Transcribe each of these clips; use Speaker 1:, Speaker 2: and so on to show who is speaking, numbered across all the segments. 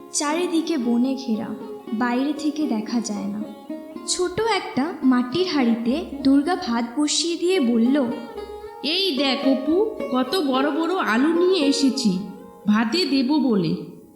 Speaker 1: চারিদিকে বনে ঘেরা, বাইরে থেকে দেখা যায় না। ছোট একটা মাটির হাঁড়িতে দুর্গা ভাত বসিয়ে দিয়ে বলল,
Speaker 2: এই দেখ অপু, কত বড় বড় আলু নিয়ে এসেছি ভাতে দেব বলে।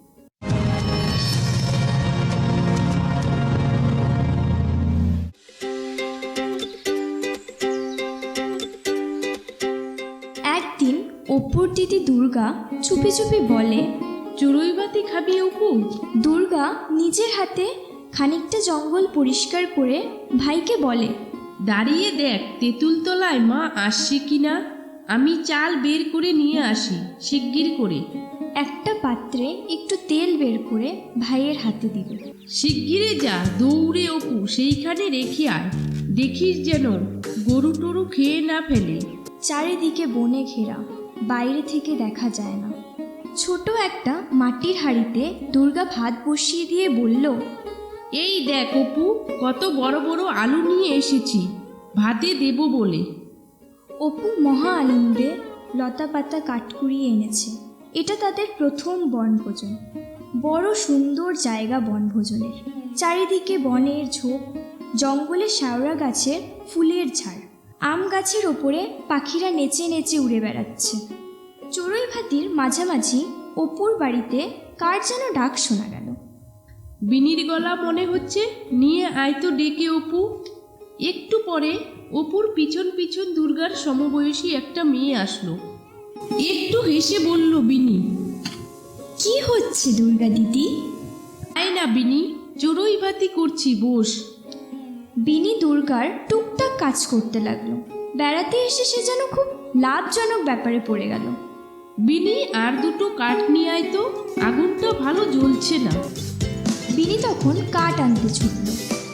Speaker 1: একদিন অপুর দিদি দুর্গা চুপি চুপি বলে,
Speaker 2: চড়ুইবাতি খাবি অপু?
Speaker 1: দুর্গা নিজের হাতে খানিকটা জঙ্গল পরিষ্কার করে ভাইকে বলে,
Speaker 2: দাঁড়িয়ে দেখ তেঁতুলতলায় মা আসছে কিনা, আমি চাল বের করে নিয়ে আসি শিগগির করে।
Speaker 1: একটা পাত্রে একটু তেল বের করে ভাইয়ের হাতে দিল।
Speaker 2: শিগগিরে যা, দৌড়ে অপু সেইখানে রেখে আয়, দেখিস যেন গরু টরু খেয়ে না ফেলে।
Speaker 1: চারিদিকে বনে ঘেরা, বাইরে থেকে দেখা যায় না। ছোট একটা মাটির হাঁড়িতে দুর্গা ভাত বসিয়ে দিয়ে বলল,
Speaker 2: এই দেখ অপু, কত বড় বড় আলু নিয়ে এসেছি ভাতে দেব বলে।
Speaker 1: অপু মহা আনন্দে লতা পাতা কাঠ কুড়িয়ে এনেছে। এটা তাদের প্রথম বনভোজন। বড় সুন্দর জায়গা বনভোজনের। চারিদিকে বনের ঝোপ, জঙ্গলে শাওড়া গাছের ফুলের ঝাড়, আম গাছের ওপরে পাখিরা নেচে নেচে উড়ে বেড়াচ্ছে। চড়ুই ভাতির মাঝামাঝি অপুর বাড়িতে কার যেন ডাক শোনা গেল।
Speaker 2: বিনির গলা মনে হচ্ছে, নিয়ে আয় তো ডেকে অপু। একটু পরে অপুর পিছন পিছন দুর্গার সমবয়সী একটা মেয়ে আসলো। একটু হেসে বলল বিনি,
Speaker 1: কি হচ্ছে দুর্গা দিদি?
Speaker 2: আয় না বিনি, চড়ুই ভাতি করছি, বস।
Speaker 1: বিনি দুর্গার টুকটাক কাজ করতে লাগলো। বেড়াতে এসে সে যেন খুব লাভজনক ব্যাপারে পড়ে গেল।
Speaker 2: বিনি, আর দুটো কাঠ নিয়ে আয় তো, আগুনটা ভালো জ্বলছে না।
Speaker 1: বিনি তখন কাঠ আনতে ছুটল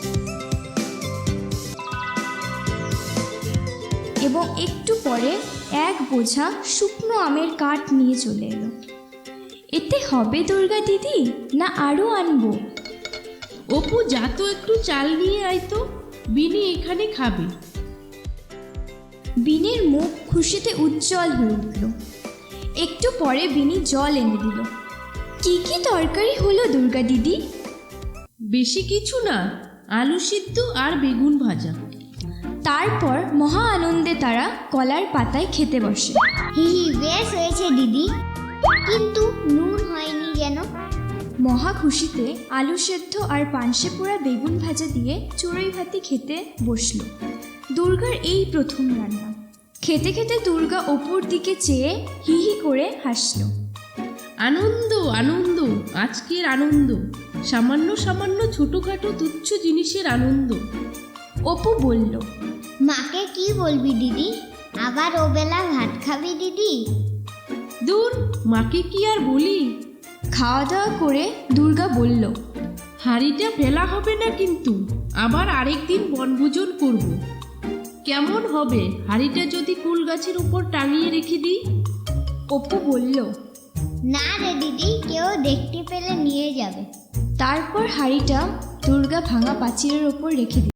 Speaker 1: এবং একটু পরে এক বোঝা শুকনো আমের কাঠ নিয়ে চলে এলো। এতে হবে দুর্গা দিদি, না আরও আনবো?
Speaker 2: অপু, যা তো একটু চাল নিয়ে আয় তো, বিনি এখানে খাবে।
Speaker 1: বিনির মুখ খুশিতে উজ্জ্বল হয়ে উঠল। একটু পরে বিনি জল এনে দিল। কি কি তরকারি হলো দুর্গা দিদি?
Speaker 2: বেশি কিছু না, আলু সিদ্ধ আর বেগুন ভাজা।
Speaker 1: তারপর মহা আনন্দে তারা কলার পাতায় খেতে বসে।
Speaker 3: হি হি, বেশ হয়েছে দিদি, কিন্তু নুন হয়নি যেন।
Speaker 1: মহা খুশিতে আলু সেদ্ধ আর পানসে পোড়া বেগুন ভাজা দিয়ে চড়ুই ভাতি খেতে বসলো। দুর্গার এই প্রথম রান্না। খেতে খেতে দুর্গা অপুর দিকে চেয়ে হি হি করে হাসল।
Speaker 2: আনন্দ আনন্দ, আজকের আনন্দ, সামান্য সামান্য ছোটোখাটো তুচ্ছ জিনিসের আনন্দ।
Speaker 1: অপু বলল,
Speaker 3: মাকে কি বলবি দিদি? আবার ওবেলা ভাত খাবি দিদি?
Speaker 2: দূর, মাকে কি আর বলি।
Speaker 1: খাওয়া দাওয়া করে দুর্গা বলল,
Speaker 2: হাঁড়িটা ফেলা হবে না কিন্তু, আবার আরেকদিন বনভোজন করব। কেমন হবে হাঁড়িটা যদি কুল গাছের উপর টাঙিয়ে রেখে দিই?
Speaker 1: অপু বলল,
Speaker 3: না রে দিদি, কেউ দেখতে পেলে নিয়ে যাবে।
Speaker 1: তারপর হাঁড়িটা দুর্গা ভাঙা পাঁচিলের ওপর রেখে দিল।